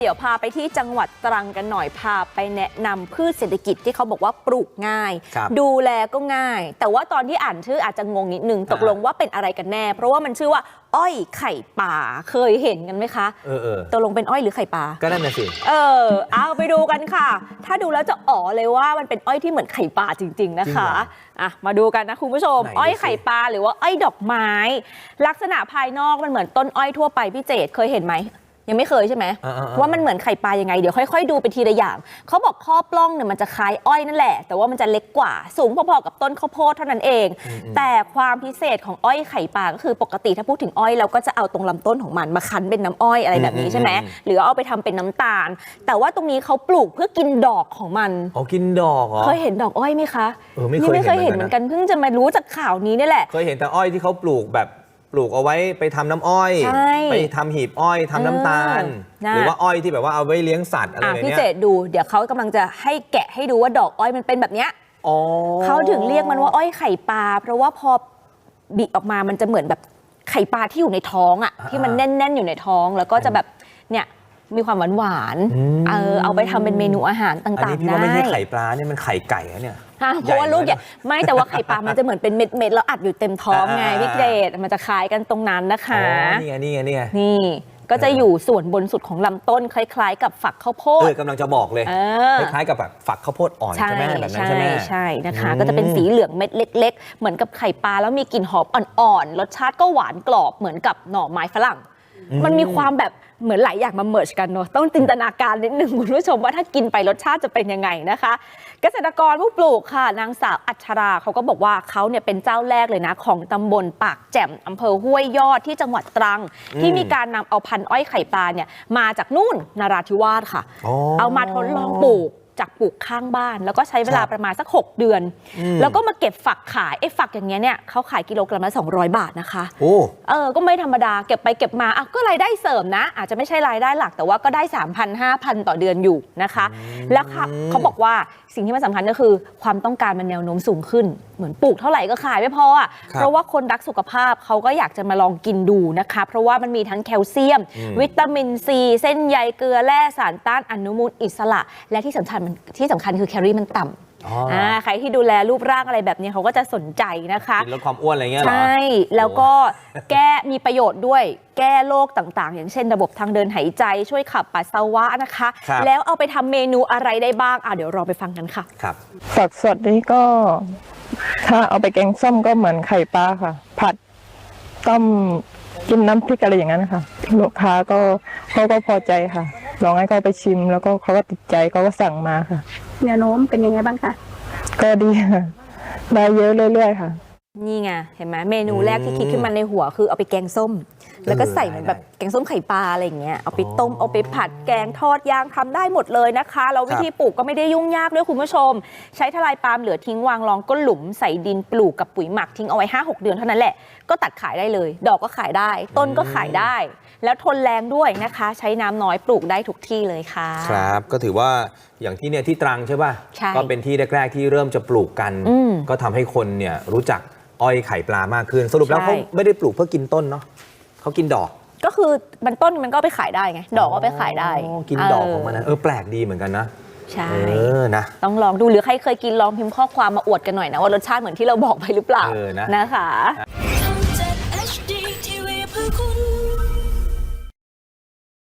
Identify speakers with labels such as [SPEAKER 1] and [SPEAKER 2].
[SPEAKER 1] เดี๋ยวพาไปที่จังหวัดตรังกันหน่อยพาไปแนะนำพืชเศรษฐกิจที่เขาบอกว่าปลูกง่ายดูแลก็ง่ายแต่ว่าตอนที่อ่านชื่ออาจจะงงนิดนึงตกลงว่าเป็นอะไรกันแน่เพราะว่ามันชื่อว่าอ้อยไข่ป่าเคยเห็นกันไหมคะตกลงเป็นอ้อยหรือไข่ป่า
[SPEAKER 2] ก็นั่นน่ะสิ
[SPEAKER 1] เอาไปดูกันค่ะถ้าดูแล้วจะอ๋อเลยว่ามันเป็นอ้อยที่เหมือนไข่ป่าจริงๆนะคะมาดูกันนะคุณผู้ชมอ้อยไข่ปลาหรือว่าอ้อยดอกไม้ลักษณะภายนอกมันเหมือนต้นอ้อยทั่วไปพี่เจตเคยเห็นไหมยังไม่เคยใช่ไหมว่ามันเหมือนไข่ปลายังไงเดี๋ยวค่อยๆดูไปทีละอย่างเขาบอกข้อปล้องเนี่ยมันจะคล้ายอ้อยนั่นแหละแต่ว่ามันจะเล็กกว่าสูงพอๆกับต้นข้าวโพดเท่านั้นเองแต่ความพิเศษของอ้อยไข่ปลาก็คือปกติถ้าพูดถึงอ้อยเราก็จะเอาตรงลำต้นของมันมาคั้นเป็นน้ำอ้อยอะไรแบบนี้ใช่ไหมหรือเอาไปทำเป็นน้ำตาลแต่ว่าตรงนี้เขาปลูกเพื่อกินดอกของมัน
[SPEAKER 2] กินดอกเหรอ
[SPEAKER 1] เคยเห็นดอกอ้อยไหมคะ
[SPEAKER 2] ไม่เคย
[SPEAKER 1] เห็นเหมือนกันเพิ่งจะมารู้จากข่าวนี้นี่แหละ
[SPEAKER 2] เคยเห็นแต่อ้อยที่เขาปลูกแบบปลูกเอาไว้ไปทำน้ำอ้อยไปทำหีบอ้อยทำน้ำตาลหรือว่าอ้อยที่แบบว่าเอาไว้เลี้ยงสัตว์อะไรแบบนี้
[SPEAKER 1] พี่เจตดูเดี๋ยวเขากำลังจะให้แกะให้ดูว่าดอกอ้อยมันเป็นแบบเนี้ยเขาถึงเรียกมันว่าอ้อยไข่ปลาเพราะว่าพอบิออกมามันจะเหมือนแบบไข่ปลาที่อยู่ในท้องอ่ะที่มันแน่นๆอยู่ในท้องแล้วก็จะแบบเนี่ยมีความหวานเอาไปทำเป็นเมนูอาหารต่างๆได้อันนี้
[SPEAKER 2] พี่ว่าไม่ใช่ไข่ปลาเนี่ยมันไข่ไก่เนี่ย
[SPEAKER 1] เพราะว่าลูกใหญ่ไม่แต่ว่าไข่ปลามันจะเหมือนเป็นเม็ดๆแล้วอัดอยู่เต็มท้องไงพี่เจตมันจะคล้ายกันตรงนั้นนะคะนี่ก็จะอยู่ส่วนบนสุดของลำต้นคล้ายๆกับฝักข้าวโพด
[SPEAKER 2] กำลังจะบอกเลยคล้ายๆกับแบบฝักข้าวโพดอ่อนใช่ไหมแบบนั้นใช่ไหม
[SPEAKER 1] ใช่นะคะก็จะเป็นสีเหลืองเม็ดเล็กๆเหมือนกับไข่ปลาแล้วมีกลิ่นหอมอ่อนๆรสชาติก็หวานกรอบเหมือนกับหน่อไม้ฝรั่งมันมีความแบบเหมือนหลายอย่างมาเมิร์ชกันเนาะต้องจินตนาการนิดนึงคุณผู้ชมว่าถ้ากินไปรสชาติจะเป็นยังไงนะคะเกษตรกรผู้ปลูกค่ะนางสาวอัชราเขาก็บอกว่าเขาเนี่ยเป็นเจ้าแรกเลยนะของตำบลปากแจ่มอำเภอห้วยยอดที่จังหวัดตรังที่มีการนำเอาพันธุ์อ้อยไข่ปลาเนี่ยมาจากนู่นนราธิวาสค่ะเอามาทดลองปลูกจากปลูกข้างบ้านแล้วก็ใช้เวลาประมาณสัก6เดือนแล้วก็มาเก็บฝักขายฝักอย่างเงี้ยเนี่ยเขาขายกิโลกรัมละ200 บาทนะคะก็ไม่ธรรมดาเก็บไปเก็บมาก็รายได้เสริมนะอาจจะไม่ใช่รายได้หลักแต่ว่าก็ได้ 3,000-5,000 ต่อเดือนอยู่นะคะแล้วเขาบอกว่าสิ่งที่มันสำคัญก็คือความต้องการมันแนวโน้มสูงขึ้นเหมือนปลูกเท่าไหร่ก็ขายไม่พอเพราะว่าคนรักสุขภาพเขาก็อยากจะมาลองกินดูนะคะเพราะว่ามันมีทั้งแคลเซียมวิตามินซีเส้นใยเกลือแร่สารต้านอนุมูลอิสระและที่สำคัญคือแคลอรี่มันต่ำใครที่ดูแลรูปร่างอะไรแบบนี้เขาก็จะสนใจนะคะ
[SPEAKER 2] ลดความอ้วนอะไรเงี้ยหรอ
[SPEAKER 1] ใช่แล้วก็มีประโยชน์ด้วยแก้โรคต่างๆอย่างเช่นระบบทางเดินหายใจช่วยขับปัสสาวะนะคะแล้วเอาไปทำเมนูอะไรได้บ้างเดี๋ยวเราไปฟังกันค่ะ
[SPEAKER 2] ครับ
[SPEAKER 3] ผักสดนี่ก็ถ้าเอาไปแกงส้มก็เหมือนไข่ปลาค่ะผัดต้มกินน้ำพริกอะไรอย่างนั้นค่ะลูกค้าเขาก็พอใจค่ะลองให้เขาไปชิมแล้วก็เขาก็ติดใจเขาก็สั่งมาค่ะ
[SPEAKER 4] แนวโน้มเป็นยังไงบ้างคะ
[SPEAKER 3] ก็ดีค่ะได้เยอะเรื่อยๆค่ะ
[SPEAKER 1] นี่ไงเห็นไหมเมนูแรกที่คิดขึ้นมาในหัวคือเอาไปแกงส้มแล้วก็ใส่เหมือนแบบแกงส้มไข่ปลาอะไรอย่างเงี้ยเอาไปต้มเอาไปผัดแกงทอดย่างทำได้หมดเลยนะคะแล้ววิธีปลูกก็ไม่ได้ยุ่งยากด้วยคุณผู้ชมใช้ทลายปาล์มเหลือทิ้งวางรองก้นหลุมใส่ดินปลูกกับปุ๋ยหมักทิ้งเอาไว้ 5-6 เดือนเท่านั้นแหละก็ตัดขายได้เลยดอกก็ขายได้ต้นก็ขายได้แล้วทนแรงด้วยนะคะใช้น้ำน้อยปลูกได้ทุกที่เลยค่ะ
[SPEAKER 2] ครับก็ถือว่าอย่างที่เนี่ยที่ตรังใช่ป่ะก็เป็นที่แรกๆที่เริ่มจะปลูกกันก็ทำให้คนเนี่ยรู้จักอ้อยไข่ปลามากขึ้นสรุปแล้วเขาไม่ได้ปลูกเพื่อกินต้นเนาะเขากินดอก
[SPEAKER 1] ก็คือมันต้นมันก็ไปขายได้ไงดอกก็ไปขายได้
[SPEAKER 2] กินดอกของมันนะแปลกดีเหมือนกันนะ
[SPEAKER 1] ใช่
[SPEAKER 2] นะ
[SPEAKER 1] ต้องลองดูหรือใครเคยกินลองพิมพ์ข้อความมาอวดกันหน่อยนะว่ารสชาติเหมือนที่เราบอกไปหรือเปล่านะคะ